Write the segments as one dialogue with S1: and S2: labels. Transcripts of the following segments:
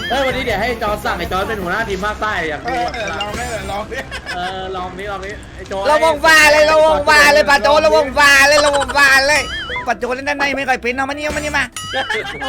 S1: วันนี้เดี๋ยวให้จอร์จสั่งไอ้จอร์จเป็นหัวหน้าทีมภาคใต้อยากดูแบบ
S2: ลองได้เลยลองดิ
S1: ลองนี้ไอ้จอร์จ
S3: ระวงฟ้าเลยระวงฟ้าเลยปัจโจระวงฟ้าเลยระวงฟ้าเลยปัจโจเล่นด้านในไม่ค่อยเป็นเอามานี่มาโอ้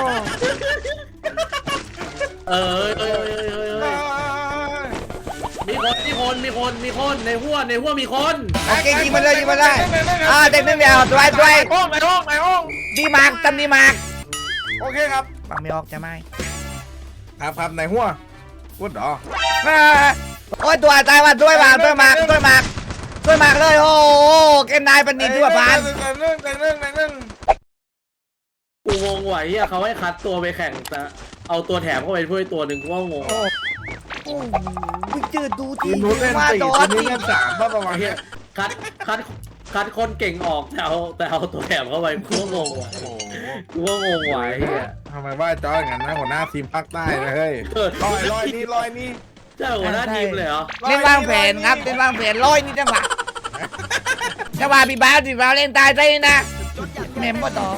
S1: มีคนในหัวมีคน
S3: โอเคยิงมาเลยเด็กนึงเดียวตัว
S2: ในห้อง
S3: ดีมากตำดีมาก
S2: โอเคครับ
S3: ฟังไม่ออกจะไหม
S2: ครับในหัวพูดหรอ
S3: โอ้ยตัวตายว่ะด้วยมากเลยโอ้เกนนายปนิดด้วยปาน
S2: ในนึ่ง
S1: กูงงไหวอ่ะเขาให้คัดตัวไปแข่งแต่เอาตัวแถมเข้าไปช่วยตัวหนึ่งกูว่างง
S3: โอ้ยจืดดูที
S2: นู้นเล่น4นู้นเล่น3ประมาณนี้
S1: คัดคนเก่งออกแต่เอาตัวแถมเข้าไปกูว่างงว่ะไหวอ่ะ
S2: ทำไมว่าจอยอย่างนั้นนะหัวหน้าทีมภาคใต้เลยเฮ้ยลอยนี่
S1: เจ้าหัวหน้าทีมเลยเหรอ
S3: เล่นวางแผนครับเล่นวางแผนร้อยนี่จังหวะพี่บ้าเล่นตายใจนะเมมก็ต่อ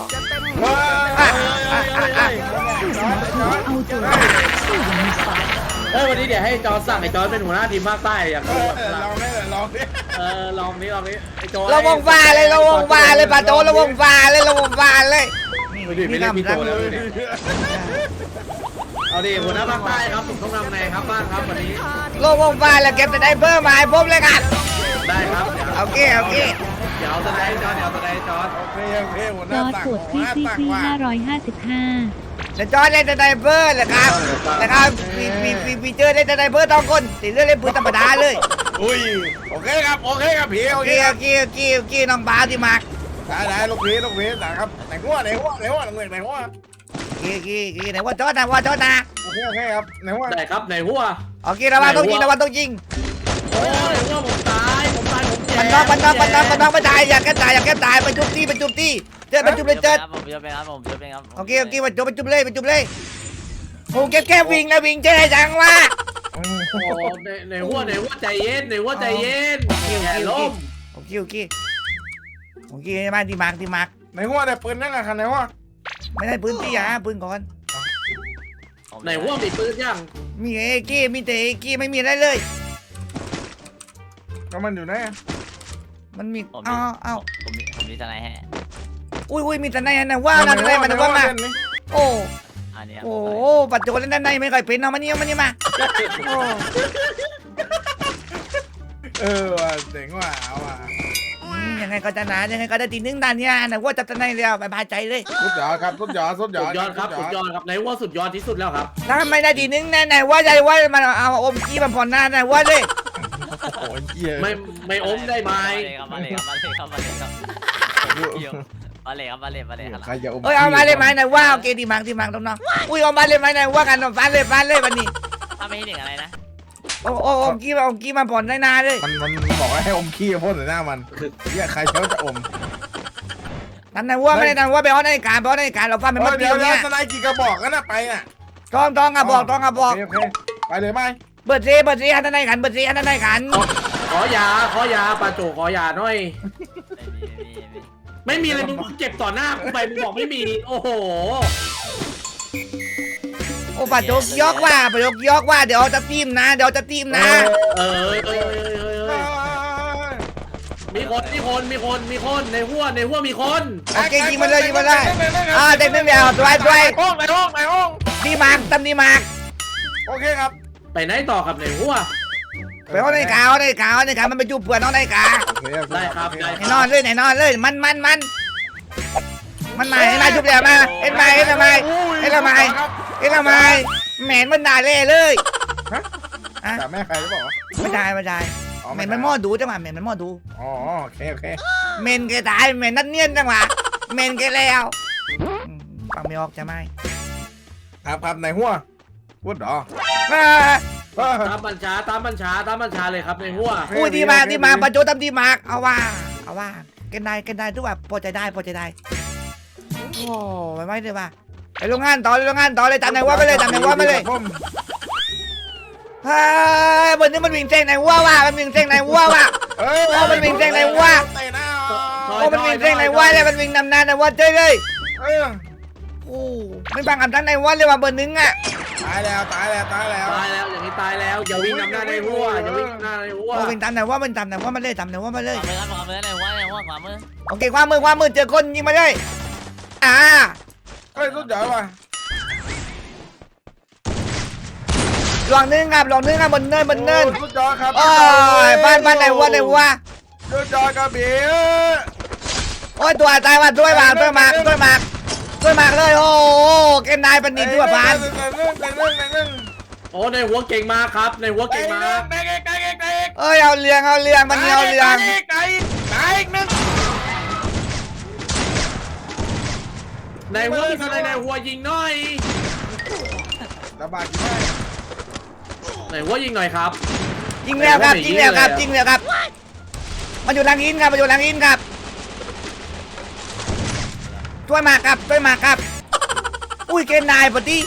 S1: วันนี้เดี๋ยวให้จอร์จสั่งไอ้จอร์จเป็นหัวหน้าทีมภาคใต้อยากดูแบบ
S2: ลองได้เลยลองดิ
S1: ลองนี้ไอ้จอร์จ
S3: ระวงฟ้าเลยปัจโจระวงฟ้าเลย
S1: ไม่ได้มีตัวแล้วเอาดิหัวหน้าภาคใต้ครับผมต้องทำไงครับบ้างครับวันนี้
S3: ระวงฟ้าแล้วเก็บแต่ได้เพิ่มมาให้ผมเลยกัน
S1: ได้ครับ
S3: โอเค
S1: เดี๋ยวจะได้จอร์จ
S2: โอเคหัวห
S4: จ
S2: น้า
S4: อร์จ
S2: ตัก
S4: กดที่555
S3: จะจอยเล่นแต่ได้เพิ่มเลยครับพี่เจอเล่นแต่ได้เพิ่มต้องคนติดเรื่องเล่นปืนธรรมดาเลย
S2: อุ้ยโอเคครับพี่โอเค
S3: น้องบ้าที่มาก
S2: ได้ลูกพี่นะครับไหนหัวไหนหัวไหน
S3: ว่าจอดนะ
S2: โอเคครับไหนหัว
S1: ได้ครับในหัว
S3: โอเคระวังต้องยิง
S1: โอ้ยหัวผมตายผมแย่
S3: มันน้องไม่ตายอยากแก้ตายไปจุบตีเจอไปจุบเลยเจอ
S5: ผมจะเป็นครับ
S3: โอเคไปจุบเลยโอ้แก้วิ่งนะวิ่งเจ๊จังวะ
S1: โอ้ในหัวใจเย็นแย่ล้ม
S3: โอเคมาที่มาร์ก
S2: ไหนหัวได้ปืนนั่งกันไหนหัว
S3: ไม่ได้ปืนที่ปืนก่อน
S1: ในหัวมีปืนยัง
S3: มีเอกี้มีแต่เอกี้ไม่มีอะไรเลย
S2: ก็มันอยู่ไหน
S3: มันมี
S5: ผมมีทนายให้
S3: อุ้ยมีแต่ในนะว่านะในมันว่ามาโอ้
S5: อันนี้
S3: โอ้ปัจจุบันเล่นด้านในไม่ค่อยเป็นเอามานี่มาโอ้
S2: ว่าเจ๋งว่ะเอาว่ะ
S3: ยังไงก็จะหนายังไงก็ได้ตีนึงด้านเนี้ยนะว่าจะในเรียวบายใจเลย
S2: สุดยอดครับ
S1: ครับในหัวสุดยอดที่สุดแล้วครับ
S3: ถ้าไม่ได้ตีนึงไหนว่าใจว่ามันเอาอมกี้มันผ่อนหน้าไหนว่าเลย
S2: โอ้ยเยี่ย
S1: ไม่อมได้ไหม
S5: มาเลยครับ
S2: ใครจะอม
S3: เอามาเลยไหมไหนว่าโอเคดีมังน้องอุ้ยเอามาเลยไหมไหนว่ากันฟันเลยวันนี้
S5: ถ้าไม่ให้หนึ่งอะไรนะ
S3: โอ้อมกี้มันผ่อนได้นานเลย
S2: มันบอกให้อมขี้พ่นใส่หน้ามันเยี่ยใครเขาจะอม
S3: นั่นไหนว่าไม่ได้นั่นว่าไปเอาในการเราฟันเป็นมัดเดียวเนี่ย
S2: ทนายกี่กระบอกกันนะไปน่ะ
S3: ต้องอ่ะบอก
S2: ไปเลยไหม
S3: เบิร์ดซีอันไหนกัน
S1: ขอยาปาโจขอยาหน่อยไม่มีเลยมึงเก็บต่อหน้ากูไปมึงบอกไม่มีโอ้โห
S3: โอ้ปัจจุยกว่าเดี๋ยวจะตีมนะ
S1: มีคนในหัวมีคน
S3: โอเคยิงมาเลยเด็กนึงเดียวตัว
S2: ในห้อง
S3: ดีมากตำดีมาก
S2: โอเคครับ
S1: ไปไหนต่อครับในหัว
S3: ไปเอาในกามันไปจูบเผื่อน้องในกา
S1: ได้ครับได้
S3: นอนเลยมันมาจุบเดี๋ยวมาเอ็นมาแหมนมันด่าเล่เลย
S2: แต่แม่ใครจะบอกว่า
S3: ไม่ได้แหมนมันมอดูจังหวะแหมนมันมอดู
S2: อ๋อโอเค
S3: เมนแกตายแหมนนัดเนียนจังหวะเมนแกแล้วฟังไม่ออกจะไหม
S2: ครับในหัวพูดหรอ
S1: ตามบัญชาเลยครับในหัว
S3: อุ้ยดีมาปัจจุบันดีมากเอาว่าแกนายทุกแบบพอใจได้โอ้ไม่เลยว่าไปโรงงานต่อเลยตามไหนว่าไปเลยเฮ้ยบนนี้มันวิ่งเส้นไหนว่ามันวิ่งเส้นไหนว่ามันวิ่งเส้นไหนว่ามันวิ่งเส้นไหนว่าเลยมันวิ่งนำหน้าไหนว่าเจ๊เลย
S2: โ
S3: โอ้ไม่บังอับทั้งในวันเลยว่าเบอร์หนึ่งอ่ะ
S2: ตายแล้วตายแล้วตายแล้ว
S1: ตายแล้วอย่างนี้ตายแล้วอย่าวิ่งนำหน้าในหัวอย่าวิ่งนำหน้าในหัว
S3: โอ้เป็นตามไหนว่ามันตามไหนว่ามันเลยตามไหนว่ามันเลย
S5: ขวามือครับขวามือในหัวในหัวขวามือ
S3: โอเคความมือเจอคนยิงมาเลยอ่า
S2: เฮ้ยสุดยอดว่ะ
S3: ลองนึงครับบนเนิน
S2: โอ้สุดยอดครับ
S3: โอ้ยบ้านไหนวะ
S2: สุดยอดครับพี่
S3: โอ้ยตัวตายว่ะด้วยมากเลยโอ้เกมนายปันนิดด้วยพาน
S1: โอ้ในหัวเก่งมากครับในหัวเก่งมาก
S3: เอ้ยเอาเรื่องมันเอาเรื่อง
S1: ในหัวมีอะไรในหัวยิงหน่อย
S2: ระบาดกี่ได้
S1: ในหัวยิงหน่อยครับ
S3: ยิงแล้วครับมันอยู่หลังอินครับช่วยมาครับ อุ้ยเกมนายปะที่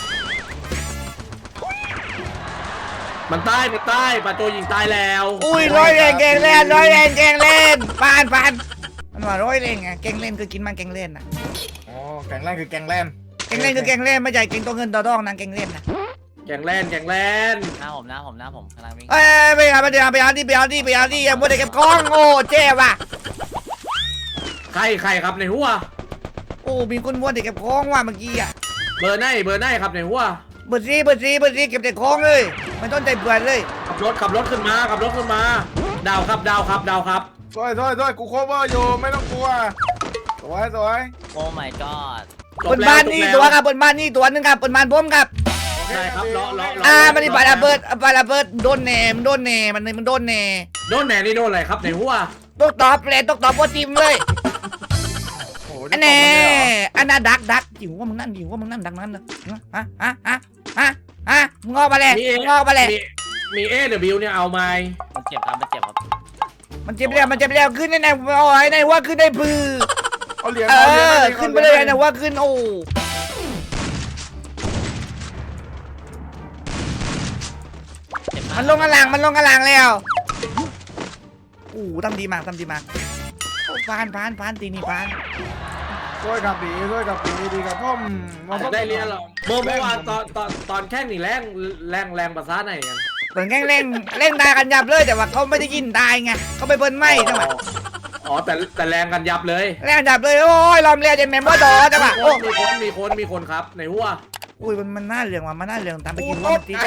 S1: มันตายปาโจยิงตายแล้ว
S3: อุ้ยร้อยแรงแกงเล่นปานมันว่าร้อยแรงไงแกงเล่นคือกินมันแกงเล่นนะ
S2: อ๋อแข่งแรงคือแข่งแรง
S3: แกงเล่นคือแกงเล่นไม่ใช่แกงตัวเงินตัวทองนะแกงเล่นนะ
S1: แกงแล่น
S5: หน้าผมกำลังวิ่ง
S3: เอ้ยไปเอาที่ยังไม่ได้เก็บของโอ้เจ๊ว่ะ
S1: ใครครับในหัว
S3: โอ้มีคนม้วนเด็กเก็บของว่ะเมื่อกี้อ่ะ
S1: เบอร์ไหนครับในหัว
S3: เบอร์ซีเก็บแต่ของเลยไม่ต้องใจเบื่อเลย
S1: ขับรถขึ้นมาดาวครับ
S2: สวยกูโคเวอร์อยู่ไม่ต้องกลัวสวย
S5: โอ้ my god
S3: บนบ้านนี่ตัวครับบนบ้านนี่ตัวนึงครับบนบ้านผมครับ
S1: ได้ครับเลาะ
S3: มันนี่ปาระเบิดโดนแหน่มันโดนแหน่
S1: โดนแหนนี่โดนอะไรครับในหัว
S3: ตกตอบว่าทีมเลย
S2: โอ้
S3: อันแน่อันน่ะดักจิ๋วว่ามึงนั่นดังนั้นนะฮะมึงออกมาเลย
S1: มีเอเดบิวเนี่ยเอาไหม
S5: มันเจ็บครับ
S3: มันเจ็บแล้วขึ้นในโอ้ยในว่าขึ้นได้ปือ
S2: เอาเหรียญ
S3: ขึ้นไปเลยนะว่าขึ้นโอ้
S5: เจ็บ
S3: มันลงกระหลังแล้วทำดีมากพานตีนี่พาน
S2: สวยกับปีดีกับพ่อม
S1: ได้เรียนหรอเมื่อวานตอนแข่งนี่แรงภาษาไหนกัน
S3: เหมือนแกล้งเล่นตายกันยับเลยแต่ว่าเขาไม่ได้ยินตายไงเขาไปเบิ้ลไม่จังหวะ
S1: อ๋อแต่แรงกันยับเลย
S3: แรงยับเลยโอ้ยลอมเรียจะแมมว่าดอจังหวะโอ้
S1: มีคนครับในหัว
S3: อุ้ยมันน่าเรื่องว่ะมันน่าเรื่องตามไปกินว่ามันตี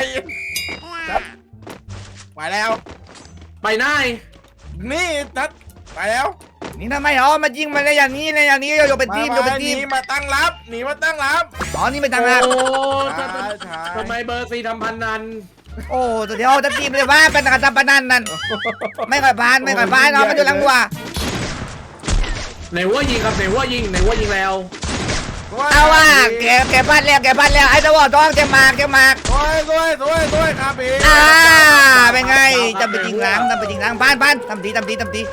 S2: ไปแล้ว
S1: ไปไหน
S2: นี่ทัดไปแล้ว
S3: นี่ทำไมมายิงมาในอย่างนี้อยู่เป็นทีม
S2: หนีมาตั้งรับ
S3: อ๋อนี่ไม่ต่างหาก
S1: โอ้ทำไมเบอร์ซีทำพันนัน
S3: โอ้เดี๋ยวจะทีมเลยว่าเป็นการทำปนันนั่นไม่ค่อยพานเนาะมันอยู่หลังวัว
S1: ในหัวยิงครับในหัวยิงแล้ว
S3: เอาว่าแกพลาดแล้วไอ้ตะวอต้องแกมาก
S2: สวยครับพี่
S3: เป็นไงจำไปจริงหลังพานทำที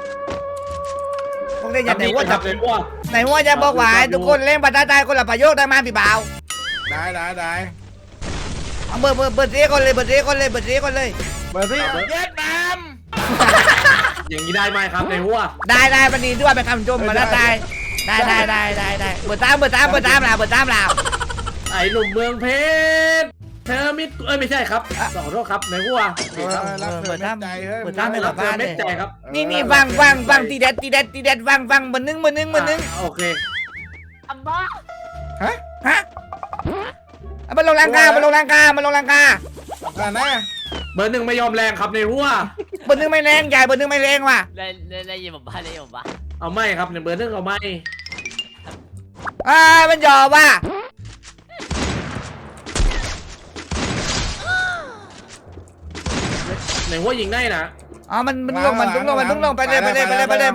S3: พวกเล่นอย่างไหนว่าจับไหนว่าจะบอกว่าทุกคนเล่นบัตรตายคนละประโยคได้มาพี่บ่าว
S2: ได้
S3: เอาเบอร์เสียคนเลย
S2: เบอร์ที่เย็ดแมม
S1: อย่างนี้ได้ไหมครับในหัว
S3: ได้วันนี้ด้วยเป็นคำชมบัตรตายได้เบอร์ตามเรา
S1: ไอ้หนุ่มเมืองเพชรเธอมิดไม่ใช่ครับขอโทษครับในหัว
S2: เปิดใจเฮ้ย
S1: รับเธอเม็ดใจครับ
S3: นี่ฟังตีเด็ดฟังเบอร์หนึ่ง
S1: โอเค
S5: อัมบ้า
S3: ฮะมันลงลังกา
S2: กันนะ
S1: เบอร์หนึ่งไม่ยอมแรงครับในหัว
S3: เบอร์หนึ่งไม่แรงใหญ่เบอร์หนึ่งไม่แรงว่ะ
S5: ได้ยินผมบ้า
S1: เอาไม่ครับในเบอร์หนึ่งเอาไม่
S3: มันหยอบว่ะ
S1: ในหัวยิงได้นะ
S3: อ๋อมันลงไปเลยมาแล้ว
S1: เบอร์ห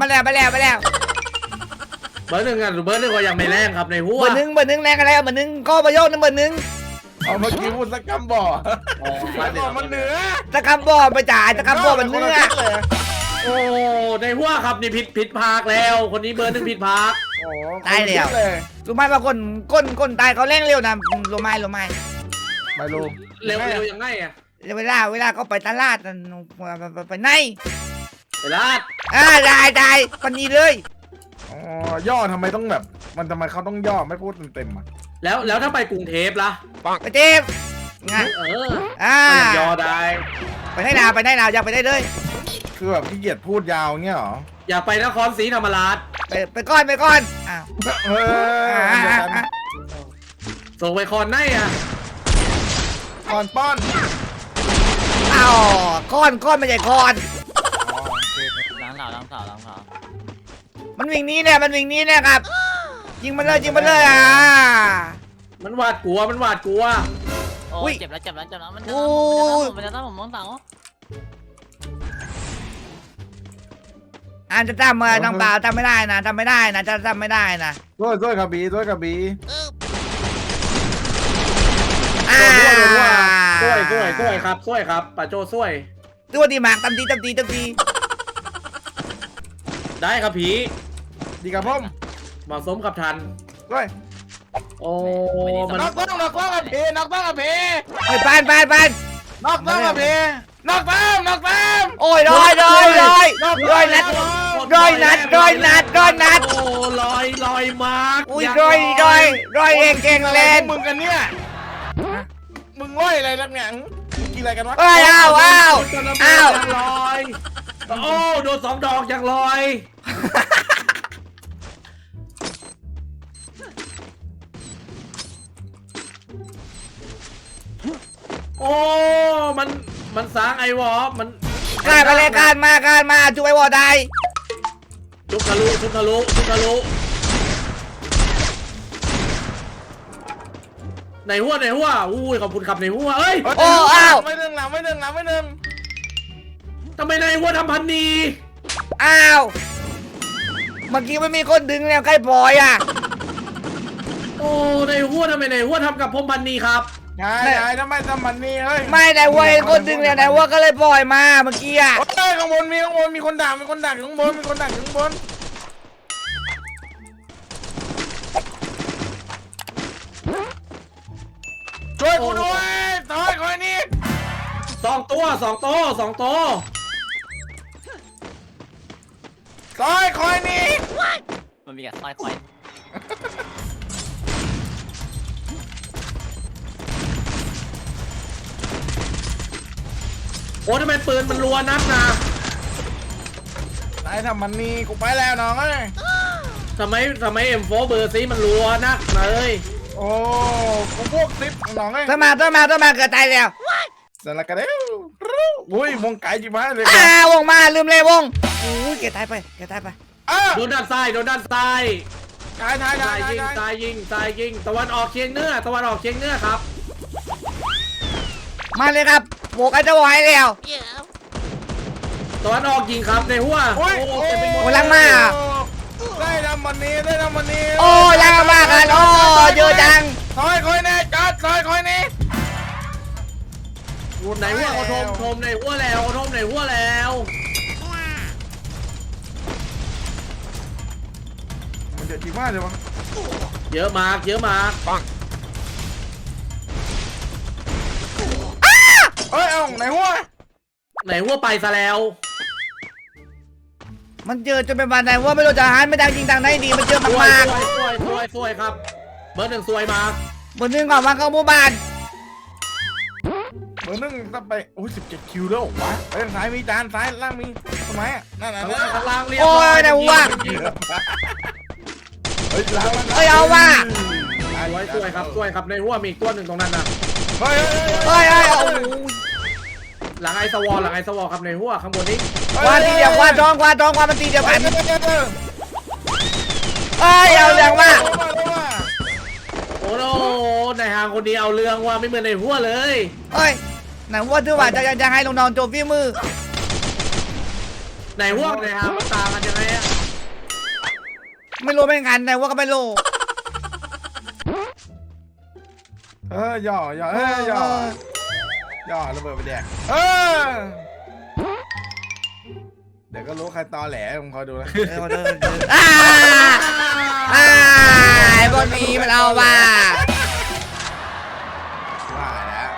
S1: นึ่งอ่ะเบอร์หนึ่งก็ยังไม่แรงครับในหัว
S3: เบอร์หนึ่งแรงอะไรเบอร์หนึ่งก็ประโยชน์นะเบอร์หนึ่ง
S2: เอาเมื่อกี้พูดสักคำบ่อมันเหนือ
S3: ตะคำบ่อไปจ่ายตะคำบ่อมันเนื้อ
S1: โอ้ในหัวครับนี่ผิดพากแล้ว คนนี้เบอร์หนึ่งผิดพาก
S3: ตายแล้วรู้ไหมว่าคนตายเขาแรงเร็วนะรู้ไหม
S2: ไม่รู้
S1: เร็วยังไงอ่ะ
S3: เวลาเขาไปตลาดไปไหน
S1: เวลา
S3: ได้คนนี้เลย
S2: อ๋อย่อทำไมต้องแบบมันทำไมเขาต้องย่อไม่พูดเต็มอ่ะ
S1: แล้วถ้าไปกรุงเทพล่ะ
S3: ไปเจ็บไง
S1: เออ
S3: อ่า
S1: ไปยังยอได้
S3: ไปได้ลาวอยากไปได้เลย
S2: คือแบบขี้เกียจพูดยาวเงี้ยเหรอ
S1: อยากไปนครศรีธรรมราช
S3: ไปก่อนอ้าว
S2: เออเดี๋ยวกัน
S1: ส่งไปคอนไหนอ่ะ
S2: ก่อนป้อน
S3: อ้าวก้อนไม่ใช่ก้อน
S2: อ๋อโอเค
S5: ล้างเท้าล้างเท้าล้างเท้า
S3: มันวิ่งหนี้เนี่ยครับยิงมันเลยอ่ะ
S1: มันหวาดกลัว
S5: โอ้
S3: อุ้ย
S5: เจ็บแล้วมัน
S3: โอ้ย
S5: จะตั้งผมมองเสา
S3: จะจำน้องเปล่าจำไม่ได้นะจะจำไม่ได้นะ
S2: ด้วยกระบี่ด้วยกระบี่
S3: อ่า
S1: ช่วยครับป้าโจช่วย
S3: ตัวดีมากตำดี
S1: ได้ครับผี
S2: ดีกับผม
S1: เหมาะสมกับทัน
S2: ด้วย
S1: โอ้มัน
S2: นอกต้องกับพี่นอกต้องกับพี่
S3: ไอ้ยปาน
S2: นอกต้องกับพี่นอกต้อง
S3: โอ้ยร้อยนัด
S1: โอ้
S3: ร้
S1: ลอยมาก
S3: อุ้ยร้อยเก่งเล่น
S2: มึงกันเนี่ยมึงง่อยอะไรนักเนี่ยกินอะไรกันวะ
S3: เอ้ยอ้าว
S1: ยังลอยโอ้โดน2 ดอกยังลอยโอ้มันสร้างไอวอมัน
S3: การไปเลยการมาจุ๊บไอ้วอได้
S1: ทุกทะลุในหัวอุ้ยขอบคุณครับในหัวเอ้ย
S3: โอ้อ้าว
S2: ไม่หนึ่ง
S1: ทำไมในหัวทำพันนี
S3: อ้าวเมื่อกี้มันมีคนดึงแล้วใกล้ปล่อยอ่ะ
S1: โอ้ในหัวทำไมในหัวทำกับพรมพันนีครับ
S2: ยายทำไมทำมันนี่เฮ้ย
S3: ไม่ไหนวัวเห็นคนดึงแล้วไหนวัวก็เลยปล่อยมาเมื่อกี้อ่ะ
S2: โอ้ยข้างบนมีคนด่าอยู่ข้างบนช่วยกูด้วยถอยคอยนี่
S1: 2 ตัว
S2: ถอยคอยนี่
S5: มันมีกับสร้อยคอย
S1: โอ้ทำไมปืนมันรัวนักนะ
S2: นายทำมันนี่กูไปแล้วน้องเอ้ย
S1: ทำไม M4 เบอร์ซีมันรัวนักเลย
S2: โอ้กูพวกซิปน้องเอ้ย
S3: ต้นมาเกิดตายแล้ว
S2: สารกระเด้วอุ้ยวงไก่จิ๋วเลย
S3: วงมาลืมเลยวงอุ้ยเกิดตายไป
S1: โดนด้านซ้าย
S2: ตาย
S1: ซ้ายยิงตะวันออกเฉียงเหนือครับ
S3: มาเลยครับโบกไอ้เจ้าไว้แล้ว
S1: ตะวันออกยิงครับในหัว
S2: โอ้ย
S1: เต็มไปหมด
S3: ลังมา
S2: ได้ทำมันนี่
S3: โอ้ยังมากกันโอ้เยอะจัง
S2: ถอยคอยแน่จัดถอยคอยนี่
S1: ในหัวเขาทมในหัวแล้ว
S2: มันเดือดจริงมากเลยวะ
S1: เยอะมาก
S2: เอ้ยเอาไหนหัว
S1: ในหัวไปซะแล้ว
S3: มันเจอจนเป็นวันไหนว่าไม่รู้จะหันไม่ดังจริงดังไหนดีมันเจอ
S1: สวย
S3: มาก
S1: สวยครับ เบอร์ 1สวยมาก
S3: บนนึงก่อนมาเข้าหมู่บ้าน
S2: เบอร์ 1ต้องไปโอ้ย17 คิวแล้ววะไปทางซ้ายมีจานซ้ายล่างมีทำไมอ่ะนั่น
S1: ข้างล่างเรียบ
S3: โอ้ยไหนวะ
S2: เฮ้ยล้าง
S3: เฮ้ยเอาว่ะ
S1: สวยครับในหัวมีอีกตัวหนึ่งตรงนั้นนะ
S2: เฮ้ย
S3: โอ้ยโอ้ย
S1: หลังไอสวอลครับในหัวข้างบนนี้
S3: ควาตีเดียวควาทองมันตีเดียวกันเอ้ยเอาเรื่องว่า
S1: โอ้โหในหางคนนี้เอาเรื่องว่าไม่เหมือนในหัวเลย
S3: เอ้ยไหนว่าถือว่าจะให้ลงนอนโจมฝีมือ
S1: ในหัวในหางมันต่างกันยังไงอะ
S3: ไม่รู้ไม่กันไหนว่าก็ไม่รู้
S2: ย่อระเบิดไปแดกเดี๋ยวก็รู้ใครตอแหลผมคอยดูนะ
S3: ไอ้บนนี้มันเอาว่า
S2: ว่าแล้ว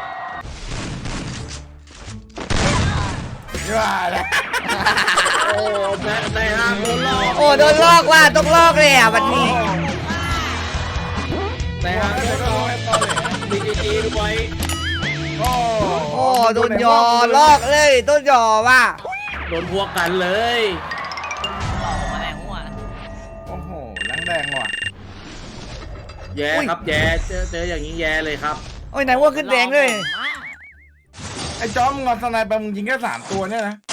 S2: ว่าแล้ว
S1: โอ้ในหางโดนหลอก
S3: โอ้โดนลอกว่าต้องลอกเลยอ่ะวันนี้
S1: แต่หากโดนหลอกมีจีด้วย
S2: โอ้
S3: โอ้โดนยอลอกเลยต้นยอว่ะ
S1: โดนพวกกันเลย
S5: หลอกมาแรงหัว
S2: โอ้โหแรงแดงว่ะ
S1: แย่ครับแย่เจออย่างนี้แย่เลยครับ
S3: โอ้ยไหนว่าขึ้นแดงเลย
S2: ไอ้จอมงอนสไนไปมึงยิงแค่3 ตัวเนี่ยนะ